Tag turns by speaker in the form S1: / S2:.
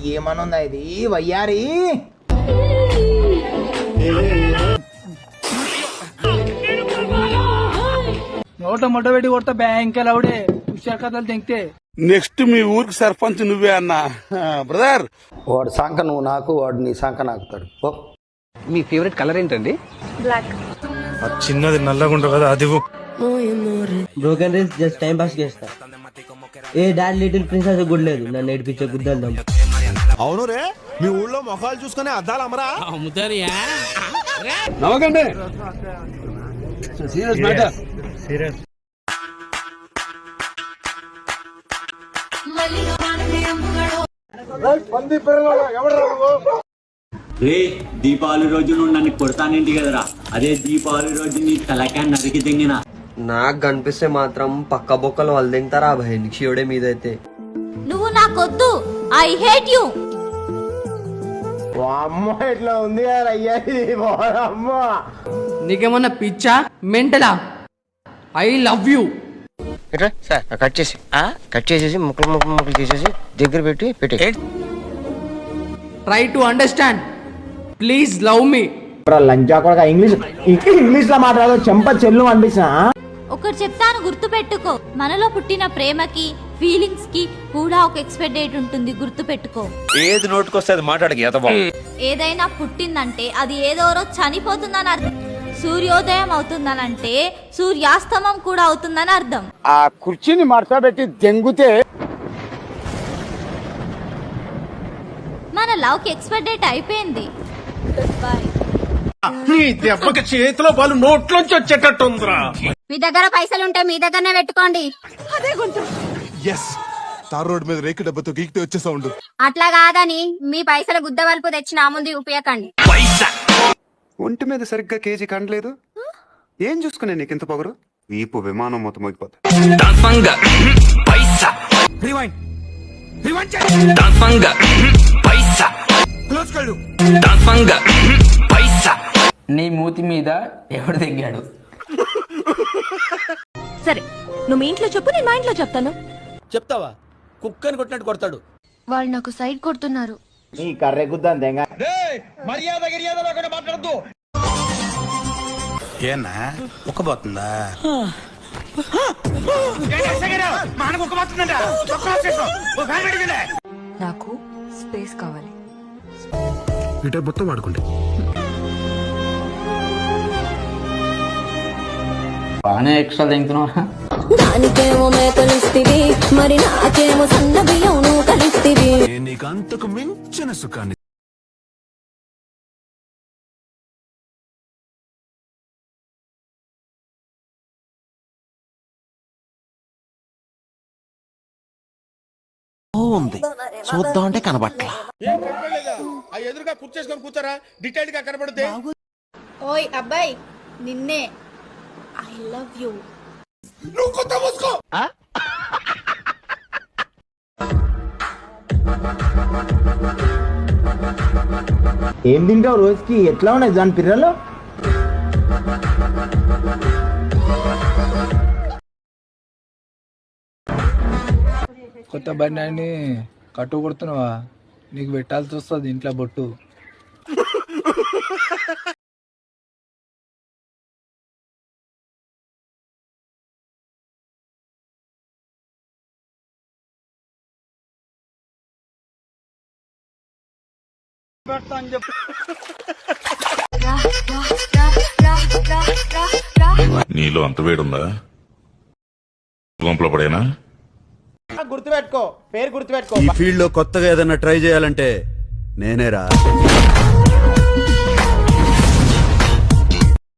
S1: ఏమనుందా ఇది వయ్యారి?
S2: నోట మొట్ట పెట్టి కొడతా బ్యాంక్ అవుడే హుషార్ కథలు తెంగితే.
S3: నెక్స్ట్ మీ ఊరికి సర్పంచ్ నువ్వే అన్నా బ్రదర్.
S4: వాడు సంఖ నువ్వు నాకు, వాడు నీ సంఖ నాకుతాడు.
S5: మీ ఫేవరెట్ కలర్ ఏంటండి?
S6: బ్లాక్.
S7: చిన్నది నల్లగా ఉండవు కదా అది.
S8: Broken reels just time pass చేస్తా. ఏ డాడ్ లిటిల్ ప్రిన్సెస్ గుడ్లేదు నన్ను ఏడిపించే గుద్దాం.
S7: అవును రే, మీ ఊళ్ళో మొఖాలు చూసుకునే అద్దాలు అమరా
S5: అమ్ముతారియా?
S3: నవ్వకండి, సీరియస్ మ్యాటర్.
S9: రే దీపావళి రోజు నువ్వు నన్ను కొడతానేంటి కదరా, అదే దీపావళి రోజు నీ తలకాయ నరికి తెంగిన.
S8: నాకు కనిపిస్తే మాత్రం పక్క బొక్కలు వాళ్ళు తింటారా భయ శివుడే మీదైతే.
S6: నువ్వు నాకొద్దు, ఐ హేట్ యు.
S1: అమ్మ ఎట్లా ఉంది అయ్యారి అమ్మ.
S2: నీకేమన్నా పిచ్చా మెంటలా? I love you.
S5: Sir cut చేసేసి ముక్కలు చేసేసి దగ్గర పెట్టి
S2: try to understand, please love me.
S1: లంచా కూడా ఇంగ్లీష్ లో మాట్లాడదు, చెంప చెల్లు అనిపిస్తా.
S6: ఒకటి చెప్తాను, గుర్తు పెట్టుకో. మనలో పుట్టిన ప్రేమకి ఫీలింగ్స్ కి కూడా ఒక ఎక్స్పైర్ డేట్ ఉంటుంది, గుర్తు పెట్టుకో.
S7: ఏది నోటుకొస్తే అది మాట్లాడక.
S6: ఏదైనా పుట్టిందంటే అది ఏదో రోజు చనిపోతుందని అర్థం. సూర్యోదయం అవుతుందనంటే సూర్యాస్తమం కూడా అవుతుందని అర్థం.
S3: ఆ కుర్చీని మడతబెట్టి దెంగుతే
S6: మన లవ్ కి ఎక్స్పైర్ డేట్ అయిపోయింది.
S7: నీ దెబ్బకి చేతిలో వాళ్ళు నోట్లోంచి వచ్చేటట్టుందిరా.
S6: మీ దగ్గర పైసలుంటే మీ దగ్గరనే పెట్టుకోండి.
S7: ఎస్, తార్ రోడ్ మీద రేకు డబ్బతో గీకితే వచ్చే సౌండ్.
S6: అట్లా కాదని మీ పైసలు గుద్దవల్పు తెచ్చి నా ముందు ఉపయోగండి.
S10: ఒంటి మీద సరిగ్గా కేజీ కండలేదు, ఏం చూసుకునే నీకు ఇంత పొగరు? వీపు విమానం మొత్తం మోగిపోతా.
S5: నీ మూతి మీద ఎవడు తెగాడు?
S6: సరే, నువ్వు మీ ఇంట్లో చెప్పు, నేను మా ఇంట్లో చెప్తాను.
S5: చెప్తావా? కుక్కని కొట్టినట్టు కొడతాడు.
S6: వాళ్ళు నాకు సైడ్ కొడుతున్నారు.
S1: ఈ కర్రె గుద్దాం తెంగ.
S7: మర్యాద మాట్లాడద్దు. ఏనా ఒక్కబోతుందా?
S6: నాకు స్పేస్ కావాలి.
S7: ఇటే మొత్తం వాడుకుంటే
S5: బాగానే ఎక్స్ట్రా తింటున్నావా?
S6: దానికేమో మేకలిస్తివి, మరి నాకేమో సన్న బియ్యం నువ్వు కలిస్తివి.
S7: నీకు అంతకు మించిన సుఖాన్ని
S5: ఉంది చూద్దాం అంటే కనబట్ల.
S3: ఎదురుగా కుర్చేసుకొని కూర్చోరా, డీటెయిల్ గా కనబడుతుంది.
S6: ఓయ్ అబ్బాయి, నిన్నే. I love you.
S3: నువ్వు కొత్త మూసుకో.
S1: ఏం తింటావు రోజుకి? ఎట్లా ఉన్నాయి దాని పిల్లలు?
S2: కొత్త బండి కట్టు కొడుతున్నావా? నీకు పెట్టాల్సి వస్తుంది ఇంట్లో బొట్టు.
S7: నీలో అంత వేడుందా? గుంపలో పడేనా?
S1: గుర్తుపెట్టుకో, పేరు గుర్తుపెట్టుకో.
S10: ఈ ఫీల్డ్ లో కొత్తగా ఏదైనా ట్రై చేయాలంటే నేనేరా.